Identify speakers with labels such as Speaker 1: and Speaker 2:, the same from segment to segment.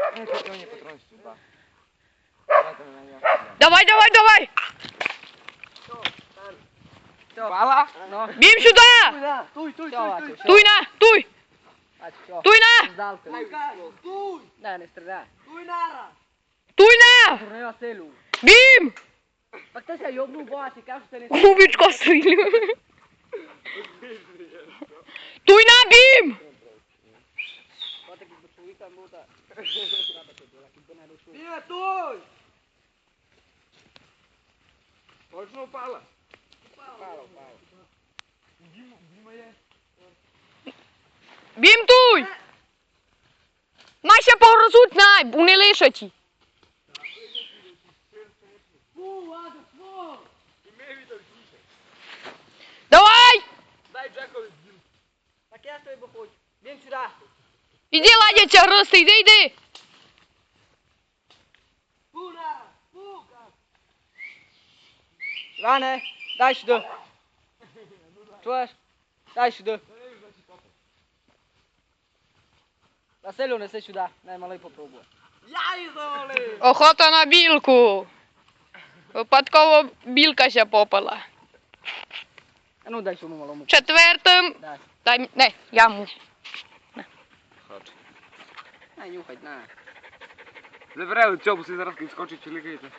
Speaker 1: Не патроны сюда. Давайте на меня.
Speaker 2: Давай, давай, давай!
Speaker 1: Пала?
Speaker 2: Бім сюди!
Speaker 3: Туй.
Speaker 2: Туй на, туй! Туй на!
Speaker 3: Туй!
Speaker 1: Не стріляй.
Speaker 3: Туй нара!
Speaker 2: Туй на!
Speaker 1: Турнева селю.
Speaker 2: Бім!
Speaker 1: Пак ти ся йобнув бачи, кажу, що не...
Speaker 2: Губічко стрілю. Туй на, Бім!
Speaker 3: Ні, туй!
Speaker 1: Точно упала?
Speaker 2: Бім, туй! Майся погрозуть, най, вони лишаті. Давай!
Speaker 3: Дай Джекові бім. Так я тобі хочу. Бім сюди.
Speaker 2: Іди, ладяться, грости, йди.
Speaker 3: Фу, нара! Фу, каз.
Speaker 1: Ране, дай сюди. Чуєш? Дай сюди. Василю, неси сюди. Най малий попробує.
Speaker 3: Я її завалив!
Speaker 2: Охота на білку. Випадково білка ся попала.
Speaker 1: А ну дай цьому малому.
Speaker 2: Четвертим.
Speaker 1: Дай.
Speaker 2: Дай, не, я мушу.
Speaker 1: Хоч. Най нюхать, на.
Speaker 4: Забирай цьому, си зараз відскочить чи лікається.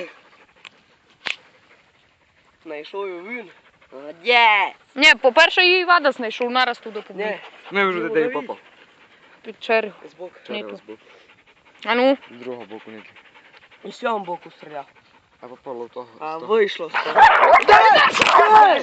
Speaker 3: Знайшов його він. Молодець!
Speaker 2: Ні, по-перше, її Вада знайшов, нараз туди побіг.
Speaker 3: Ні,
Speaker 4: Не вже де попав.
Speaker 2: Під чергу.
Speaker 3: збоку.
Speaker 2: Нету. А ну.
Speaker 4: З другого боку не.
Speaker 3: І з цього боку стріляв.
Speaker 4: А попало в того.
Speaker 3: А вийшло з того.